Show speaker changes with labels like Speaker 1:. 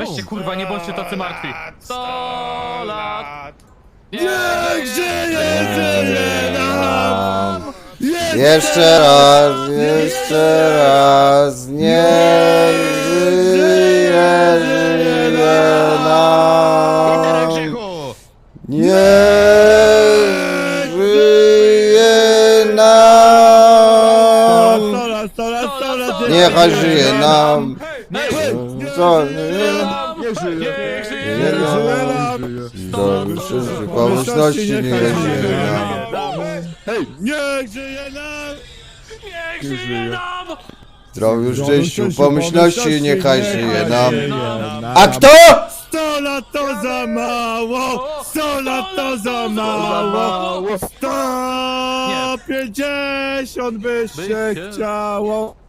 Speaker 1: weźcie kurwa, nie bądźcie tacy martwi. 100 lat.
Speaker 2: Niech żyje, żyje nam!
Speaker 3: Jeszcze raz, niech żyje, żyje nam! Niech żyje nam!
Speaker 2: 100 lat,
Speaker 3: Niechaj żyje nam! Co?
Speaker 2: niech żyje nam!
Speaker 3: Pomyślności niechaj żyje nam!
Speaker 2: Hej, niech żyje nam!
Speaker 1: Niech żyje nam!
Speaker 3: Zdrowiu, szczęściu, pomyślności niechaj żyje nam! A
Speaker 2: A
Speaker 3: kto?
Speaker 2: 100 lat to za mało! 100 lat to za mało! 150 by się chciało!